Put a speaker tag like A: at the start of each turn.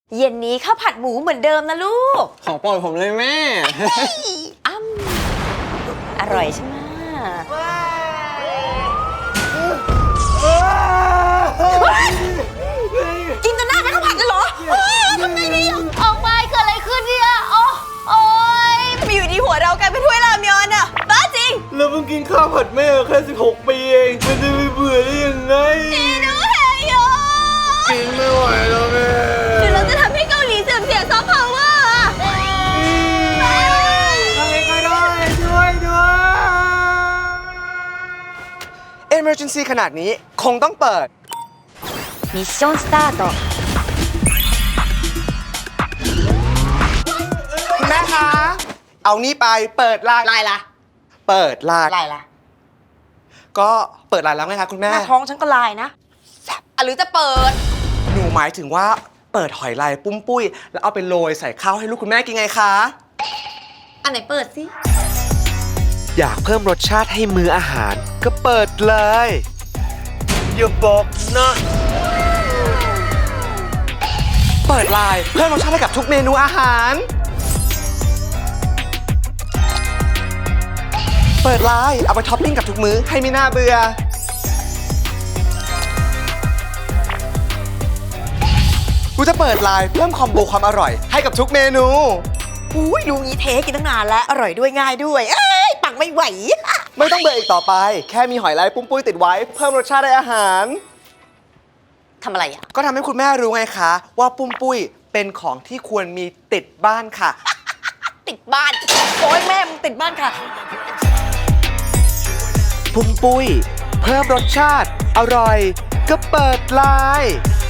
A: เย็นนี้ข้าวผัดหมูเหมือนเดิมนะลูก
B: ของโปรดผมเลยแม่
A: อร่อยใช่ไหมกินจนหน้าเป็นข้าวผัดเลยเหรอทำไงดีออกไปเกิดอะไรขึ้นเนี่ยโอ๊ยทำไมอยู่ดีหัวเรากลายเป็นถ้วยรามยอนอะบ้าจริง
B: เราเพิ่งกินข้าวผัดแม่แค่16 ปีเองมันจะไม่เบื่อได้ยังไง
A: ดูเฮยโย
B: กินไม่ไหวแล้วแม่
A: หรือเราจะทำให้เกาหลีเสื่อมเสียซอฟต์พาวเวอร์อะ
B: ใครก็ได้ช่วยด้วย
C: Emergency ขนาดนี้คงต้องเปิด
A: มิชชั่นสตาร์ท
C: คุณแม่คะ เอานี่ไปเปิดไลน์
A: ลายละ
C: เปิดไลน์
A: ลายละ
C: ก็เปิดไลน์แล้วไงคะคุณ
A: ห
C: แม่
A: น้าท้องฉันก็ลายนะหรือจะเปิด
C: หนูหมายถึงว่าเปิดหอยลายปุ้มปุ้ย แล้วเอาไปโรยใส่ข้าวให้ลูกคุณแม่กินไงคะ
A: อันไหนเปิดสิ
D: อยากเพิ่มรสชาติให้มื้ออาหารก็เปิดเลยอย่าบอกนะ
C: เปิดไลน์เพิ่มรสชาติให้กับทุกเมนูอาหาร เปิดไลน์เอาไปท็อปปิ้งกับทุกมื้อให้ไม่น่าเบื่อ กูจะเปิดไลน์เพิ่มคอมโบความอร่อยให้กับทุกเมนู
A: อุ้ยรู้งี้เทกินตั้งนานแล้ว อร่อยด้วยง่ายด้วย เอ้ย ปังไม่ไหว
C: ไม่ต้องเบื่ออีกต่อไป แค่มีหอยลายปุ้มปุ้ยติดไว้ เพิ่มรสชาติในอาหาร
A: ทำอะไรอ่ะ
C: ก็ทำให้คุณแม่รู้ไงคะ ว่าปุ้มปุ้ยเป็นของที่ควรมีติดบ้านค่ะ
A: ติดบ้าน โอ้ยแม่มึงติดบ้านค่ะ
D: ปุ้มปุ้ย เพิ่มรสชาติ อร่อย ก็เปิดไลน์